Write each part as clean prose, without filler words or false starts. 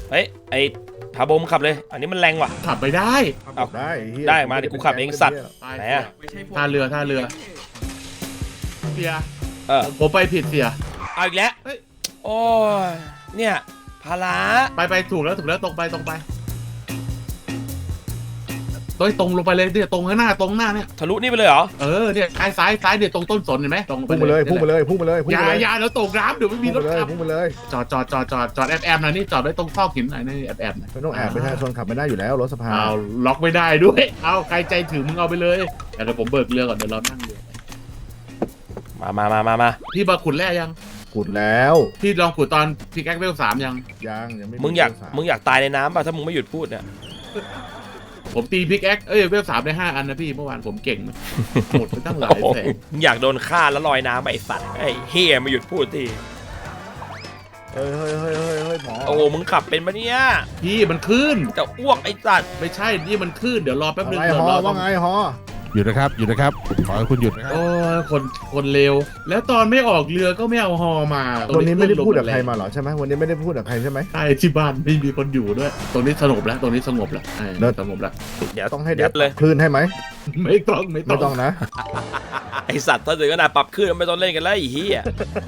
เฮ้ยไอ้พาโบมขับเลยอันนี้มันแรงว่ะขับไปได้เอาได้มาเดี๋ยวกูขับเองสัตว์ ไหนอะท่าเรือเสีย ผมไปผิดเสียเอาอีกแล้วเฮ้ยโอ้ยเนี่ยภาระไปถูกแล้วตรงไปตรงลงไปเลยเนี่ยตรงข้างหน้าเนี่ยทะลุนี่ไปเลยเหรอเนี่ยซ้ายเนี่ยตรงต้นสนเห็นไหมตรงพุ่งมาเลยอย่าแล้วตกน้ำเดี๋ยวไม่มีรถขับพุ่งมาเลยจอดแอบหน่อยนี่จอดไว้ตรงซอกหินหน่อยนี่แอบหน่อยไม่ต้องแอบประชาชนขับไม่ได้อยู่แล้วรถสภาเอาล็อกไม่ได้ด้วยเอาใครใจถึงมึงเอาไปเลยเดี๋ยวผมเบิกเรือก่อนเดี๋ยวเรานั่งเรือมาพี่มาขุดแร่ยังขุดแล้วพี่ลองขุดตอนพี่แก๊กเวล3ยังยังไม่มึงอยากตายในน้ำป่ะถ้ามึงไม่หยุดพูดเนี่ยผมตีพิกแอ็กเวล3ได้5 อันนะพี่เมื่อวานผมเก่งมากหมดไปตั้งหลายแสนมึงอยากโดนฆ่าแล้วลอยน้ำไปไอ้สัตว์ไอ้เฮียมาหยุดพูดทีเฮ้ยหมอโอ้มึงขับเป็นปะเนี่ยพี่มันขึ้นจะอ้วกไอ้สัตว์ไม่ใช่นี่มันขึ้นเดี๋ยวรอแป๊บนึงไงเดี๋ยวฮอรอว่าไงฮอหยุดนะครับขอให้คุณหยุดนะครับโอ้ยคนเลวแล้วตอนไม่ออกเรือก็ไม่เอาฮอมาวันนี้ไม่ได้พูดกับใครมาหรอใช่ไหมวันนี้ไม่ได้พูดกับใครใช่ไหมใช่ที่บ้านไม่มีคนอยู่ด้วยตรงนี้สงบแล้วสงบแล้วสงบแล้วเดี๋ยวต้องให้ยัดเลยคลื่นให้ไหมไม่ต้องไม่ต้องนะไอ้สัตว์ถ้าถึงขนาดปรับขึ้นไม่ต้องเล่นกันแล้วไอ้เฮีย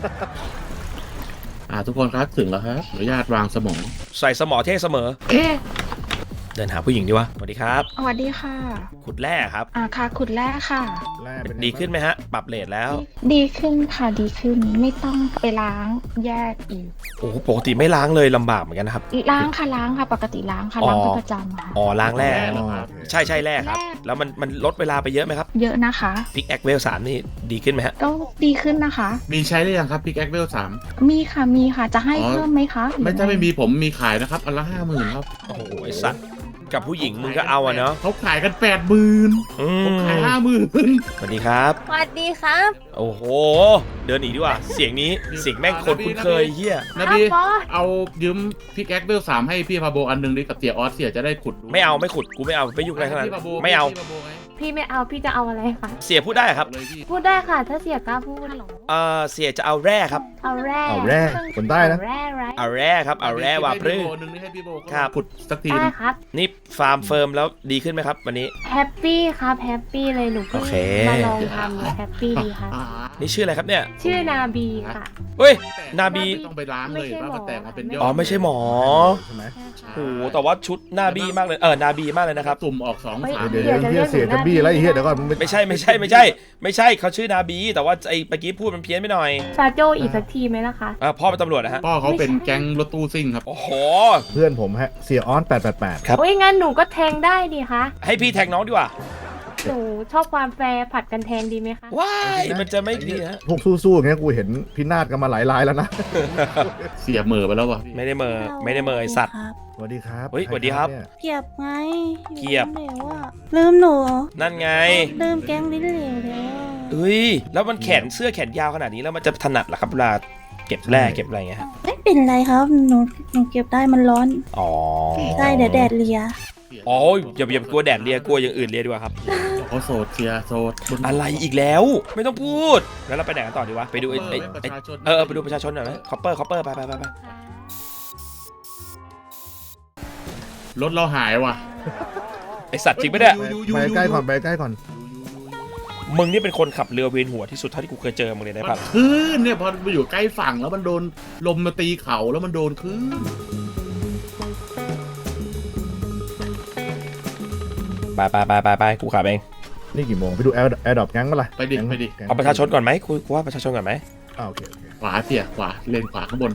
ทุกคนครับถึงแล้วครับขออนุญาตวางสมองใส่สมอเท่เสมอเดินหาผู้หญิงดีวะสวัสดีครับสวัสดีค่ะขุดแร่ครับค่ะขุดแร่ค่ะดีขึ้นไหมฮะ ปรับเลทแล้วดีขึ้นค่ะดีขึ้นไม่ต้องไปล้างแยกอีกโอ้โหปกติไม่ล้างเลยลำบากเหมือนกันนะครับล้างค่ะปกติล้างค่ะล้างเป็นประจำค่ะอ๋อล้างแร่เหรอครับใช่แร่ครับ แล้วมันลดเวลาไปเยอะไหมครับเยอะนะคะพิกแอคเวล3นี่ดีขึ้นไหมฮะก็ดีขึ้นนะคะมีใช้หรือยังครับพิกแอ็กเวล3 มีค่ะจะให้เพิ่มไหมคะหรือไม่ใช่ไม่มีผมมีขายนะครับอันละ50,000ครับโอ้โหไอสัตว์กับผู้หญิงมึงก็เอาอะเนาะเขาขายกัน80,000 อืผมมขาย50,000 สวัสดีครับสวัสดีครับโอ้โห เดินหนีดีกว่า เสียงนี้เสียงแม่งคนคุ้นเคยเฮียนะพี่เอายืมพิกแอ็กเวล3ให้พี่พาโบอันหนึงดิกับเตียออสเสียจะได้ขุดดูไม่ขุดกูไม่เอาไม่ยุ่งอะไรทั้งนั้นพี่พาโบไม่เอาพี่พาโบไงพี่ไม่เอาพี่จะเอาอะไรคะเสียพูดได้ครับเลยพี่พูดได้ค่ะ ถ้าเสียกล้าพูดเสียจะเอาแร่ครับเอาแร่เอาแร่คนใต้นะเอาแร่ไรเอาแร่ครับเอาแร่ว่าพรื้ให้พี่โบหนึ่งให้พี่โบครับขุดสักทีได้นึงครับนี่ฟาร์มเฟิร์มแล้วดีขึ้นไหมครับวันนี้แฮปปี้ครับแฮปปี้เลยหนูเพิ่งโอเคมาลองทำแฮปปี้ดีครับนี่ชื่ออะไรครับเนี่ยชื่อนาบีค่ะเฮ้ย นาบีไม่ต้องไปล้างเลยว่ามันแตกมาเป็นยอดอ๋อไม่ใช่หมอใช่ไหมโอ้โหแต่ว่าชุดนาบีมากเลยนาบีมากเลยนะครับตุ่มออก2 เฮ้ย 3 เดี๋ยวเฮียเสียจะบี้อะไรเฮียเดี๋ยวก่อนไม่ใช่เขาชื่อนาบีแต่ว่าไอ้เมื่อกี้พูดมันเพี้ยนไปหน่อยซาโจอีกสักทีไหมล่ะคะพ่อเป็นตำรวจนะฮะพ่อเขาเป็นแก๊งรถตู้ซิ่งครับโอ้โหเพื่อนผมฮะเสียออน888 ครับโอ้ยงั้นหนูก็แทงได้ดีคะให้พี่แทงน้องดีกว่าหนูชอบความแฟร์ผัดกันแทงดีไหมคะว้ายมันจะไม่ดีฮะพวกสู้ๆอย่างเงี้ยกูเห็นพินาศกันมาหลายรายแล้วนะเสียเหม่อไปแล้ววะพี่ไม่ได้เมอไอสัตว์สวัสดีครับเฮ้ยสวัสดีครับเนี่ยเกียบไงเกียบเหลวอะลืมหนูเหรอนั่นไงลืมแก๊งลิ้นเหลวแล้วเฮ้ยแล้วมันเสื้อแขนยาวขนาดนี้แล้วมันจะถนัดเหรอครับเวลาเก็บแร่เก็บอะไรเงี้ยฮะไม่เป็นไรครับหนูเก็บได้มันร้อนอ๋อได้เดี๋ยวแดดเลียอ๋ออย่ากลัวแดดเลียกลัวอย่างอื่นเลียดีกว่าครับเขาโสดเสียโสดอะไรอีกแล้ว ไม่ต้องพูดแล้วเราไปไหนกันต่อดีวะไปดูไอ้ประชาชนไปดูประชาชนหน่อยไหมคอปเปอร์ไปรถเราหายว่ะไอสัตว์จริงไหมเนี่ยไปใกล้ก่อนไปใกล้ก่อนมึงนี่เป็นคนขับเรือเวียนหัวที่สุดเท่าที่กูเคยเจอมึงเลยนะมัครับนคลื่นเนี่ยพอไปอยู่ใกล้ฝั่งแล้วมันโดนลมมาตีเขาแล้วมันโดนคลื่นไปกูขับเองนี่กี่โมงไปดูแอร์ดรอปแก๊งมาละไปดิเอาประชาชนก่อนไหมกูว่าประชาชนก่อนไหมโอเคขวาเสียขวาเลนขวาข้างบน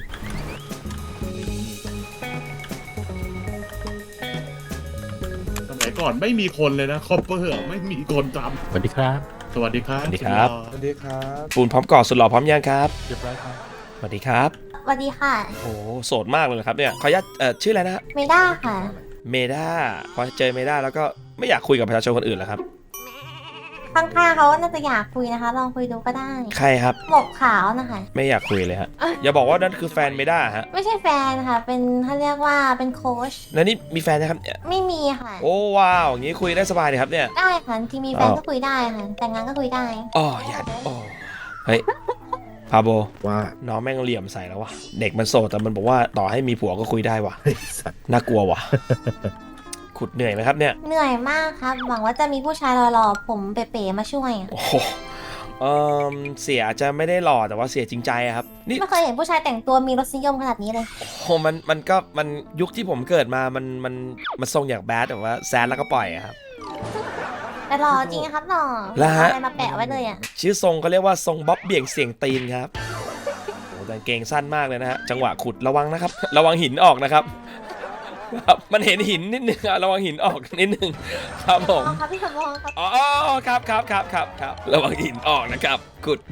สมัยก่อนไม่มีคนเลยนะคอปเปอร์ไม่มีคนทสวัสดีครับำสวัสดีครับสวัสดีครับสวัสดีครับปูนพร้อมก่อสุดหล่อพร้อมยังครับเรียบร้อยครับสวัสดีครับสวัสดีค่ะโอ้โสดมากเลยครับเนี่ยขออนุญาตชื่ออะไรนะฮะไม่ได้ค่ะเมด้าพอเจอเมด้าแล้วก็ไม่อยากคุยกับประชาชนคนอื่นแล้วครับข้างๆเขาน่าจะอยากคุยนะคะ ลองคุยดูก็ได้ใครครับหมกขาวนะคะไม่อยากคุยเลยฮะอย่าบอกว่านั่นคือแฟนเมด้าฮะไม่ใช่แฟนค่ะ เป็นเขาเรียกว่าเป็นโค้ชแล้วนี่มีแฟนนะครับเนี่ยไม่มีค่ะโอ้ว้าวอย่างนี้คุยได้สบายเลยครับเนี่ยได้ค่ะที่มีแฟนก็คุยได้ค่ะ แต่งงานก็คุยได้อ๋ออย่าอ๋อเฮ้ยพาโบว่าน้องแม่งเหลี่ยมใส่แล้ววะเด็กมันโสดแต่มันบอกว่าต่อให้มีผัวก็คุยได้วะเฮ้ยสัตว์น่ากลัววะ ขุดเหนื่อยไหมครับเนี่ยเหนื่อยมากครับ หวังว่าจะมีผู้ชายหล่อๆผมเป๋ๆมาช่วยอะโอ้โหเสียอาจจะไม่ได้หล่อแต่ว่าเสียจริงใจอะครับนี่ไม่เคยเห็นผู้ชายแต่งตัวมีรสนิยมขนาดนี้เลยโอ้โหมันยุคที่ผมเกิดมามันทรงอย่างแบดแต่ว่าแซดแล้วก็ปล่อยอะครับแต่หล่อจริงนะครับหล่อแล้วฮะเอาอะไรมาแปะไว้เลยอ่ะชื่อทรงเขาเรียกว่าทรงบ๊อบเบี่ยงเสียงตีนครับโอ้แต่กางเกงสั้นมากเลยนะฮะจังหวะขุดระวังนะครับ ระวังหินออกนะครับครับมันเห็นหินนิดนึงอะระวังหินออกนิดนึงครับผมอ๋อครับพี่สมพงษ์ครับอ๋อครับระวังหินออกนะครับขุด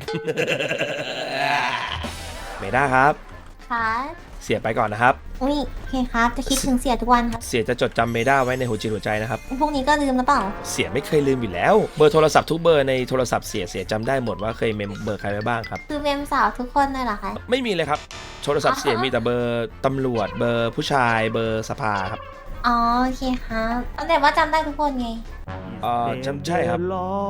ไม่ได้ครับค่ะเสียไปก่อนนะครับอุ้ยโอเคครับจะคิดถึงเสียทุกวันครับเสียจะจดจำเมด้าไว้ในหัวจิตหัวใจนะครับพรุ่งนี้ก็ลืมแล้วเปล่าเสียไม่เคยลืมอยู่แล้ว เบอร์โทรศัพท์ทุกเบอร์ในโทรศัพท์เสียจำได้หมดว่าเคยเมมเบอร์ใครไว้บ้างครับคือเมมสาวทุกคนเลยเหรอคะไม่มีเลยครับ โทรศัพท์เสียมีแต่เบอร์ตำรวจ เบอร์ผู้ชายเบอร์สภาครับอ๋อโอเคครับแต่ว่าจำได้ทุกคนไงจำใช่ครับ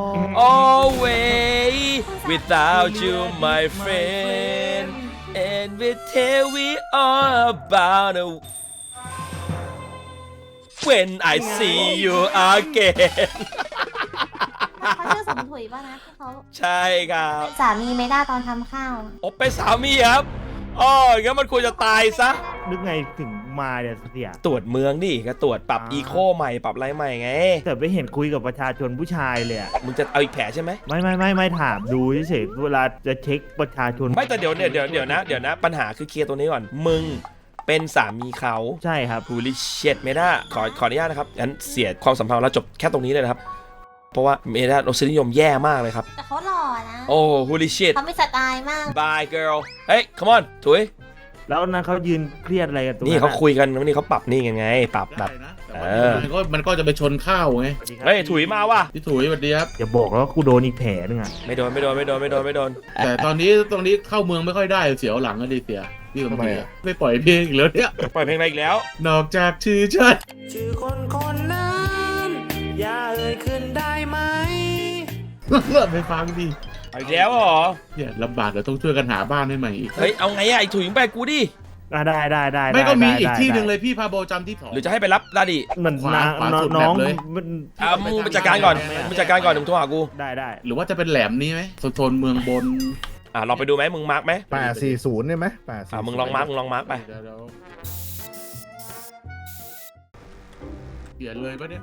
Always without you my friend and we tell we all about it when I see you again เขาชื่อสมถุยป่ะนะที่เขาใช่ครับสามีไม่ได้ตอนทำข้าวอบเป็นสามีครับอ๋องั้นมันควรจะตายซะนึกไงถึงมาเนี่ยเสียตรวจเมืองดิก็ตรวจปรับอีโคใหม่ปรับอะไรใหม่ไงแต่ไม่เห็นคุยกับประชาชนผู้ชายเลยอะมึงจะเอาอีกแผลใช่ไหมไม่ถามดูเฉยๆเวลาจะเช็คประชาชนไม่แต่เดี๋ยวนะปัญหาคือเคลียร์ตัวนี้ก่อน มึงเป็นสามีเขาใช่ครับฮูลิเชตเมด้าขออนุญาตนะครับงั้นเสียความสัมพันธ์เราจบแค่ตรงนี้เลยนะครับ เพราะว่าเมด้ารสนิยมแย่มากเลยครับแต่เขาหล่อนะโอ้ฮูลิเชตเขาไม่สไตล์มาก bye girl เฮ้ย come on ถุยแล้วนั้นเขายืนเครียดอะไรกันตรงนี่เขาคุยกันวันนี้เขาปรับนี่ไงปรับแบได้บนะแต่เอว่าอมันก็จะไปชนข้าวไงเฮ้ยถุยมาว่ะพี่ถุยสวัสดีครับอย่าบอกแล้วากูโดนอีกแผลนึงอะไม่โดนแต่ตอนนี้เข้าเมืองไม่ค่อยได้เสียวหลังก็ดีเสียพี่สมทำไมศรีอะไม่ปล่อยเพลงอีกแล้วเนี่ยปล่อยเพลงอะไรอีกแล้วนอกจากชื่อฉันชื่อคนคนนั้นอย่าเอ่ยขึ้นได้ไหมไปฟังดิเอาอีกแล้วเหรอเนี่ยลำบากเดี๋ยวต้องช่วยกันหาบ้านให้ใหม่อีกเฮ้ยเอาไงอะไอ้ถุยมึงไปกูดิได้ไม่ก็มีได้อีกที่หนึ่งได้เลยพี่พาโบจำที่สองหรือจะให้ไปรับลาดิมันขวาน้าขวาสุดน้องแบบเลยมันมึงไปจัดการก่อนมึงจัดการก่อนเดี๋ยวมึงโทรหากูได้หรือว่าจะเป็นแหลมนี้ไหมโซนเมืองบนลองไปดูไหมมึงมาร์กไหม 840ได้ไหม840 มึงลองมาร์กไปเดี๋ยวเปลี่ยนเลยปะเนี่ย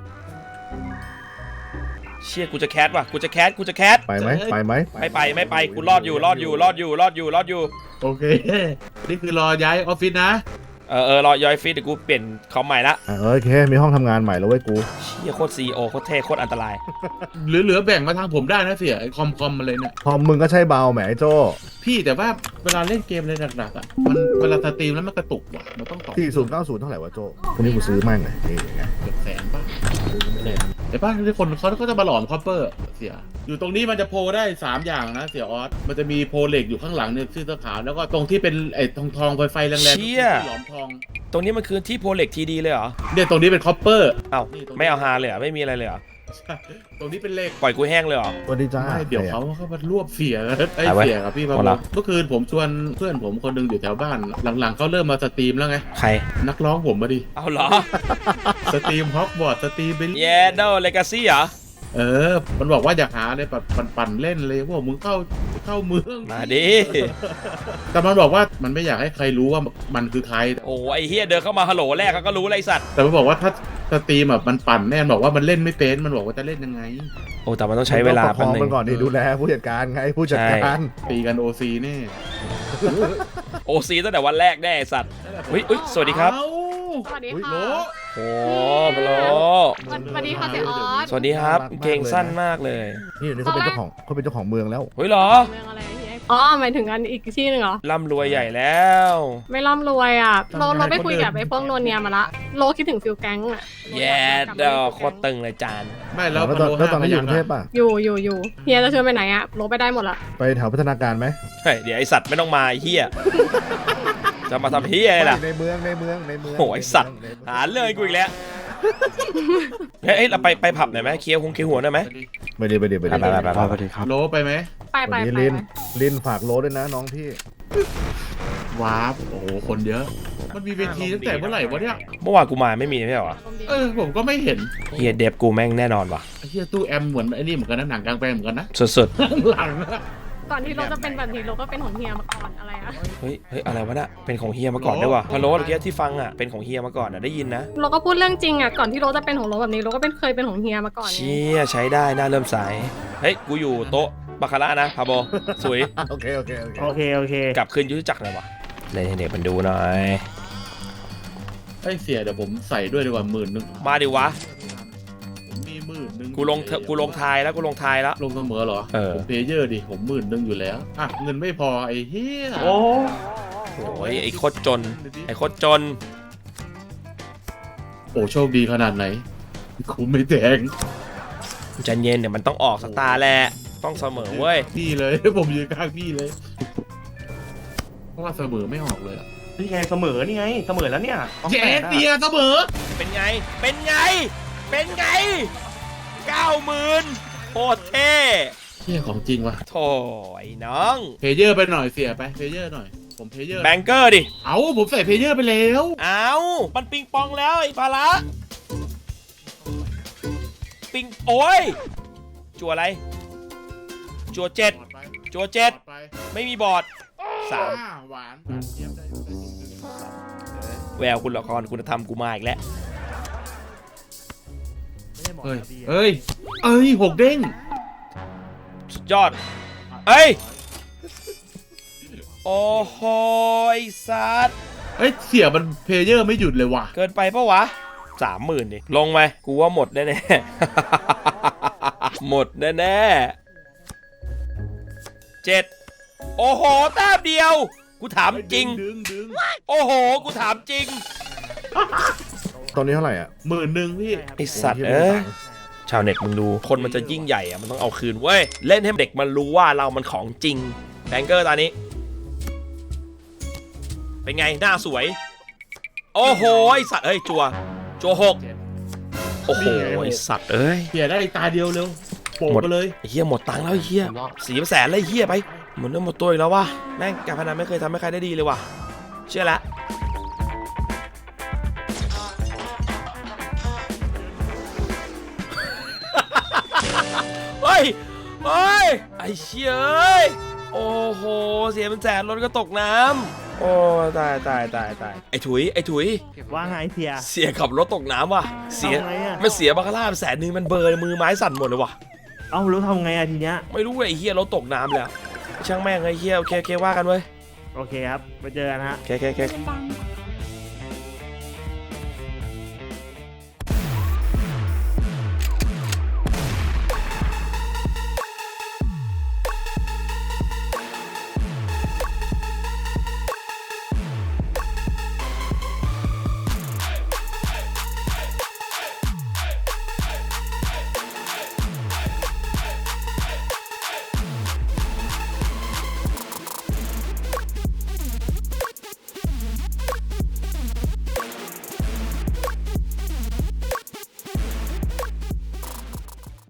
เชี่ยกูจะแคสว่ะกูจะแคสไปไหมไม่ไปกูรอดอยู่โอเค นี่คือรอย้ายออฟฟิศนะรอยอยฟิตเดี๋ยวกูเปลี่ยนคอมใหม่ละโอเค มีห้องทำงานใหม่แล้วเว้ยกูเชี่ยโคตรซีโอโคตรเท่โคตรอันตรายเหลือแบ่งมาทางผมได้นะเสียไอคอมมาเลยเนี่ยพอมึงก็ใช่เบาแหมไอ้โจ้พี่แต่ว่าเวลาเล่นเกมอะไรหนักๆอ่ะมันเวลาสตรีมแล้วมันกระตุกว่ะมันต้องต่อ 4090เท่าไหร่วะโจ้คนนี้กูซื้อมั่งเลยนี่ไงเกือบแสนป่ะแต่บ้านที่คนเขาก็จะมาหลอมคอปเปอร์เสียอยู่ตรงนี้มันจะโพลได้3อย่างนะเสียออสมันจะมีโพลเหล็กอยู่ข้างหลังเนี่ยชื่อเสื้อขาวแล้วก็ตรงที่เป็นไอ้ทองไฟแรงๆที่หลอมทองตรงนี้มันคือที่โพเล็กทีดีเลยเหรอเนี่ยตรงนี้เป็นคอปเปอร์เอ้าไม่เอาฮาเลยเหรอไม่มีอะไรเลยเหรอตรงนี้เป็นเหล็กปล่อยกูแห้งเลยเหรอสวัสดีจ้าไม่เดี๋ยวเขามารวบเสียไอ้เอาไว้เสียกับพี่บาเอาละเมื่อคืนผมชวนเพื่อนผมคนหนึงอยู่แถวบ้าน หลังๆเขาเริ่มมาสตรีมแล้วไงใครนักร้องผมมาดิเอาเหรอสตรีมฮอกวอตส์สตรีมไปเยโดเลกาซี่เหรอมันบอกว่าอยากหาอะไรแบบปั่นๆเล่นเลยพวกมึงเข้าเมืองมาดิแต่มันบอกว่ามันไม่อยากให้ใครรู้ว่ามันคือใครโอ้ไอเฮียเดินเข้ามาฮัลโหลแรกเขาก็รู้เลยไอ้สัตว์แต่มันบอกว่าถ้าสตรีมแบบมันปั่นแน่นบอกว่ามันเล่นไม่เป็นมันบอกว่าจะเล่นยังไงโอ้แต่มันต้องใช้เวลาประคแป๊บองนึงมันก่อนดิดูแลผู้จัดการไงผู้จัดการตีกัน OC แน่โอซีตั้งแต่วันแรกแน่ไอ้สัตว์อุ๊ยสวัสดีครับเอ้าสวัสดีอุ๊ยค่ะโหโอ้พะโลสวัสดีค่ะเสียออสสวัสดีครับเก่งสั้นมากเลยนี่เดี๋ยวนี้เขาเป็นเจ้าของเมืองแล้วเฮ้ยเหรอเมืองอะไรพี่อ๋อหมายถึงอันอีกที่หนึ่งเหรอร่ำรวยใหญ่แล้วไม่ร่ำรวยอ่ะเราไปคุยกับไอ้พวกโนเนียมาละโลคิดถึงฟิลแก๊งอ่ะแย่ดอกโคตรตึงเลยจานไม่แล้วแล้วตอนนี้อยู่กรุงเทพป่ะอยู่เฮียจะชวนไปไหนอ่ะโลไปได้หมดละไปแถวพัฒนาการไหมเฮ้ยเดี๋ยวไอสัตว์ไม่ต้องมาไอ้เฮียจะมาทำเฮียอะไรล่ะในเมืองโอ้ยสัตว์หาเรื่องกูอีกแล้วเฮ้ยเราไปผับหน่อยไหมเคลียร์หัวหน่อยไหมไปดีไปโลไปไหมไปวันนี้ลินฝากโลด้วยนะน้องพี่ว้าวโอ้โหคนเยอะ มันมีเวทีตั้งแต่เมื่อไหร่วะเนี่ยเมื่อวานกูมาไม่มีไม่ใช่เหรอผมก็ไม่เห็นเฮียเดฟกูแม่งแน่นอนว่ะไอ้เหี้ยตู้แอมเหมือนไอ้นี่เหมือนกันนะหนังกลางแปลงเหมือนกันนะสุดหลังนะก่อนที่โลจะเป็นแบบนี้โลก็เป็นของเฮียมาก่อนอะไรอะๆเฮ้ยอะไรวะน่ะเป็นของเฮียมาก่อนด้วยว่ะพะโล้เมื่อกี้ที่ฟังอ่ะเป็นของเฮียมาก่อนอ่ะได้ยินนะโลก็พูดเรื่องจริงอะก่อนที่โลจะเป็นของโลแบบนี้โลก็เคยเป็นของเฮียมาก่อนไงเชี่ยใช้ได้น่าเริ่มใสเฮ้ยกูอยู่โต๊ะบาคาร่านะพาโบสวยโอเคโอเคกลับคืนยุทธจักรหน่อยวะเลยให้เด็กมันดูหน่อยไอ้เสียเดี๋ยวผมใส่ด้วยดีกว่า10,000 มาดิวะผมมี10,000 กูลงทายแล้วกูลงทายแล้วลงเสมอเหรอ ผมเพลเยอร์ดิผม10,000อยู่แล้วอ่ะเงินไม่พอไอ้เหี้ยโอ้โอ้ยไอ้โคตรจนไอ้โคตรจนโอ้โชคดีขนาดไหนคุ้มไม่แดงใจเย็นเดี๋ยวมันต้องออกสตาร์แหละต้องเสมอเว้ยพี่เลย ผมยืนข้างพี่เลย เพราะว่าเสมอไม่ออกเลยอะนี่ไงเสมอนี่ไงเสมอแล้วเนี่ยเจ๊เดียเสมอเป็นไง เป็นไง เป็นไง 90,000โคตรเท่เที่ยของจริงว่ะโถ่ไอ้น้องเพลเยอร์ไปหน่อยเสียไปเพลเยอร์หน่อยผมเพลเยอร์แบงเกอร์ดิเอาผมใส่เพลเยอร์ไปแล้วเอามันปิงปองแล้วไอ้ปลาละปิงโอ้ยจัวอะไร จัว7จัว7 ไปไม่มีบอร์ดหวานเยี่ยมได้ 3แววคุณละครคุณธรรมกูมาอีกแล้วเฮ้ยเฮ้ยเอ้ย6 เด้งสุดยอด เอ้ย โอ้โหไอ้สัตว์เฮ้ยเสียมันเพลเยอร์ไม่หยุดเลยว่ะเกินไปปะวะ 30,000ดิลงไหมกูว่าหมดแน่ๆ หมดแน่ๆ7โอ้โหแต้มเดียว กูถามจริงดึงโอ้โห กูถามจริงตอนนี้เท่าไหร่อ่ะ 10,000พี่ไอสัตว์เอ้ยชาวเน็ตมึงดู คนมันจะยิ่งใหญ่อะมันต้องเอาคืนเว้ย เล่นให้เด็กมันรู้ว่าเรามันของจริงแบงเกอร์ตอนนี้ เป็นไง หน้าสวย โอ้โห ไอสัตว์เอ้ย จัว6โอ้โห ไอสัตว์เอ้ยเสียได้ตาเดียวเร็วโปะไปเลยไอ้เฮียหมดตังค์แล้วไอ้เฮีย400,000เลยไอ้เฮียไปเหมือนเริ่มหมดตัวอีกแล้ววะแม่งการพนันไม่เคยทำให้ใครได้ดีเลยว่ะเชื่อละเฮ้ยไอ้เชี่ยเอ้ยโอ้โหเสียเป็นแสนรถก็ตกน้ำโอ้ตายไอ้ถุยว่าไงเสียเสียขับรถตกน้ำว่ะเสียทำไงอะมันเสียบาคาร่าไป100,000มันเบลอร์มือไม้สั่นหมดเลยว่ะเอ้าแล้วทำไงอะทีเนี้ยไม่รู้เลยไอ้เฮียรถตกน้ำแล้วช่างแม่งไอ้เฮียโอเคว่ากันเว้ยโอเคครับไปเจอกันฮะโอเคเป็นดัง